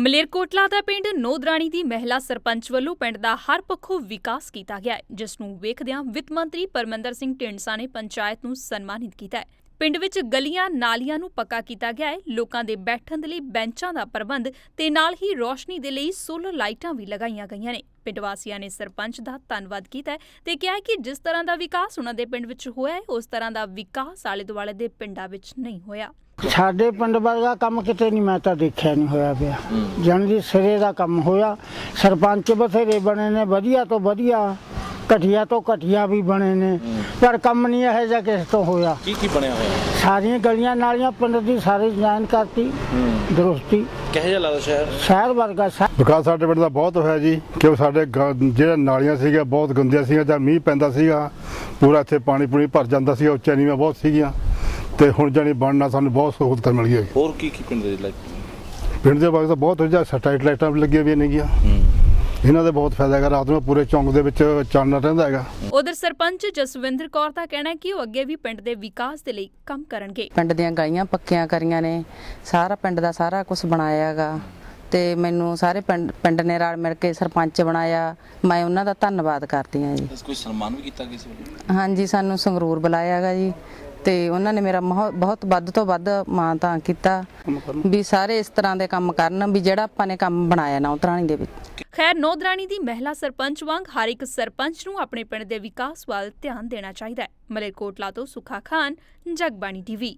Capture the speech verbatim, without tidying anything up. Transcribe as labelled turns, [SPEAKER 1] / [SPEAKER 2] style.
[SPEAKER 1] ਮਲੇਰਕੋਟਲਾ ਦਾ ਪਿੰਡ ਨੋਦਰਾਣੀ ਦੀ ਮਹਿਲਾ ਸਰਪੰਚ ਵੱਲੋਂ ਪਿੰਡ ਦਾ ਹਰ ਪੱਖੋਂ ਵਿਕਾਸ ਕੀਤਾ ਗਿਆ ਹੈ, ਜਿਸ ਨੂੰ ਵੇਖਦਿਆਂ ਵਿੱਤ ਮੰਤਰੀ ਪਰਮਿੰਦਰ ਸਿੰਘ ਢੀਂਡਸਾ ਨੇ ਪੰਚਾਇਤ ਨੂੰ ਸਨਮਾਨਿਤ ਕੀਤਾ ਹੈ। ਪਿੰਡ ਵਿੱਚ ਗਲੀਆਂ ਨਾਲੀਆਂ ਨੂੰ ਪੱਕਾ ਕੀਤਾ ਗਿਆ ਹੈ। ਲੋਕਾਂ ਦੇ ਬੈਠਣ ਦੇ ਲਈ ਬੈਂਚਾਂ ਦਾ ਪ੍ਰਬੰਧ ਤੇ ਨਾਲ ਹੀ ਰੋਸ਼ਨੀ ਦੇ ਲਈ ਸੋਲਰ ਲਾਈਟਾਂ ਵੀ ਲਗਾਈਆਂ ਗਈਆਂ ਨੇ। ਪਿੰਡ ਵਾਸੀਆਂ ਨੇ ਸਰਪੰਚ ਦਾ ਧੰਨਵਾਦ ਕੀਤਾ ਤੇ ਕਿਹਾ ਕਿ ਜਿਸ ਤਰ੍ਹਾਂ ਦਾ ਵਿਕਾਸ ਉਹਨਾਂ ਦੇ ਪਿੰਡ ਵਿੱਚ ਹੋਇਆ ਹੈ, ਉਸ ਤਰ੍ਹਾਂ ਦਾ ਵਿਕਾਸ ਆਲੇ ਦੁਆਲੇ ਦੇ ਪਿੰਡਾਂ ਵਿੱਚ ਨਹੀਂ ਹੋਇਆ।
[SPEAKER 2] ਸਾਡੇ ਪਿੰਡ ਵਰਗਾ ਕੰਮ ਕਿਤੇ ਨਹੀਂ, ਮੈਂ ਤਾਂ ਦੇਖਿਆ ਨਹੀਂ ਹੋਇਆ ਪਿਆ। ਜਾਣੀ ਸਿਰੇ ਦਾ ਕੰਮ ਹੋਇਆ। ਸਰਪੰਚ ਬਥੇਰੇ ਬਣੇ ਨੇ, ਵਧੀਆ ਤੋਂ ਵਧੀਆ, ਘਟੀਆ ਤੋਂ ਘਟੀਆ ਵੀ ਬਣੇ ਨੇ, ਪਰ ਕੰਮ ਨਹੀਂ ਇਹੋ ਜਿਹਾ ਕਿਸੇ ਤੋਂ ਹੋਇਆ।
[SPEAKER 3] ਕੀ ਕੀ ਬਣਿਆ ਹੋਇਆ?
[SPEAKER 2] ਸਾਰੀਆਂ ਗਲੀਆਂ ਨਾਲੀਆਂ ਪਿੰਡ ਦੀ ਸਾਰੀ ਡਿਜ਼ਾਈਨ ਕਰਤੀ, ਦਰੁਸਤੀ।
[SPEAKER 3] ਕਿਹੋ ਜਿਹਾ ਲੱਗਦਾ ਸ਼ਹਿਰ?
[SPEAKER 2] ਸ਼ਹਿਰ ਵਰਗਾ
[SPEAKER 4] ਵਿਕਾਸ ਸਾਡੇ ਪਿੰਡ ਦਾ ਬਹੁਤ ਹੋਇਆ ਜੀ, ਕਿਉਂ ਸਾਡੇ ਜਿਹੜੇ ਨਾਲੀਆਂ ਸੀਗੀਆਂ ਬਹੁਤ ਗੰਦੀਆਂ ਸੀਗੀਆਂ। ਜਦ ਮੀਂਹ ਪੈਂਦਾ ਸੀਗਾ ਪੂਰਾ ਇੱਥੇ ਪਾਣੀ ਪੂਣੀ ਭਰ ਜਾਂਦਾ ਸੀਗਾ, ਉੱਚਾ ਨੀਵਾਂ ਬਹੁਤ ਸੀਗੀਆਂ, ਤੇ ਹੁਣ ਜਾਨੀ ਬਣਨਾ ਸਾਨੂੰ ਬਹੁਤ ਸਹੂਲਤ ਮਿਲ ਗਈ।
[SPEAKER 3] ਹੋਰ ਕੀ ਕੀ ਪਿੰਡ ਦੇ ਲਾਈਕ
[SPEAKER 4] ਪਿੰਡ ਦੇ ਬਾਅਦ ਤਾਂ ਬਹੁਤ ਵਧੀਆ ਸਟਰੀਟ ਲਾਈਟਾਂ ਵੀ ਲੱਗੀਆਂ ਵੀ ਨੇਗੀਆਂ, ਇਹਨਾਂ ਦਾ ਬਹੁਤ ਫਾਇਦਾ ਹੈਗਾ। ਰਾਤ ਨੂੰ ਪੂਰੇ ਚੌਂਕ ਦੇ ਵਿੱਚ ਚਾਨਣਾ ਰਹਿੰਦਾ ਹੈਗਾ।
[SPEAKER 1] ਉਧਰ ਸਰਪੰਚ ਜਸਵਿੰਦਰ ਕੌਰ ਦਾ ਕਹਿਣਾ ਹੈ ਕਿ ਉਹ ਅੱਗੇ ਵੀ ਪਿੰਡ ਦੇ ਵਿਕਾਸ ਦੇ ਲਈ ਕੰਮ ਕਰਨਗੇ।
[SPEAKER 5] ਪਿੰਡ ਦੀਆਂ ਗਲੀਆਂ ਪੱਕੀਆਂ ਕਰੀਆਂ ਨੇ, ਸਾਰਾ ਪਿੰਡ ਦਾ ਸਾਰਾ ਕੁਝ ਬਣਾਇਆ ਹੈਗਾ, ਤੇ ਮੈਨੂੰ ਸਾਰੇ ਪਿੰਡ ਪਿੰਡ ਨੇ ਰਲ ਮਿਲ ਕੇ ਸਰਪੰਚ ਬਣਾਇਆ। ਮੈਂ ਉਹਨਾਂ ਦਾ ਧੰਨਵਾਦ ਕਰਦੀ ਹਾਂ ਜੀ।
[SPEAKER 3] ਕੋਈ ਸਨਮਾਨ ਵੀ ਕੀਤਾ ਕਿਸੇ ਵੱਲੋਂ?
[SPEAKER 5] ਹਾਂਜੀ, ਸਾਨੂੰ ਸੰਗਰੂਰ ਬੁਲਾਇਆ ਹੈਗਾ ਜੀ, ਤੇ ਉਹਨਾਂ ਨੇ ਮੇਰਾ ਬਹੁਤ ਵੱਧ ਤੋਂ ਵੱਧ ਮਾਣ ਤਾਂ ਕੀਤਾ ਵੀ ਸਾਰੇ ਇਸ ਤਰ੍ਹਾਂ ਦੇ ਕੰਮ ਕਰਨ ਵੀ ਜਿਹੜਾ ਆਪਾਂ ਨੇ ਕੰਮ ਬਣਾਇਆ ਨੌਤਰਾਣੀ ਦੇ ਵਿੱਚ।
[SPEAKER 1] ਖੈਰ, ਨੌਦਰਾਣੀ ਦੀ ਮਹਿਲਾ ਸਰਪੰਚ ਵਾਂਗ ਹਰ ਇੱਕ ਸਰਪੰਚ ਨੂੰ ਆਪਣੇ ਪਿੰਡ ਦੇ ਵਿਕਾਸ ਵੱਲ ਧਿਆਨ ਦੇਣਾ ਚਾਹੀਦਾ ਹੈ। ਮਲੇਰਕੋਟਲਾ ਤੋਂ ਸੁਖਾ ਖਾਨ, ਜਗਬਾਣੀ ਟੀਵੀ।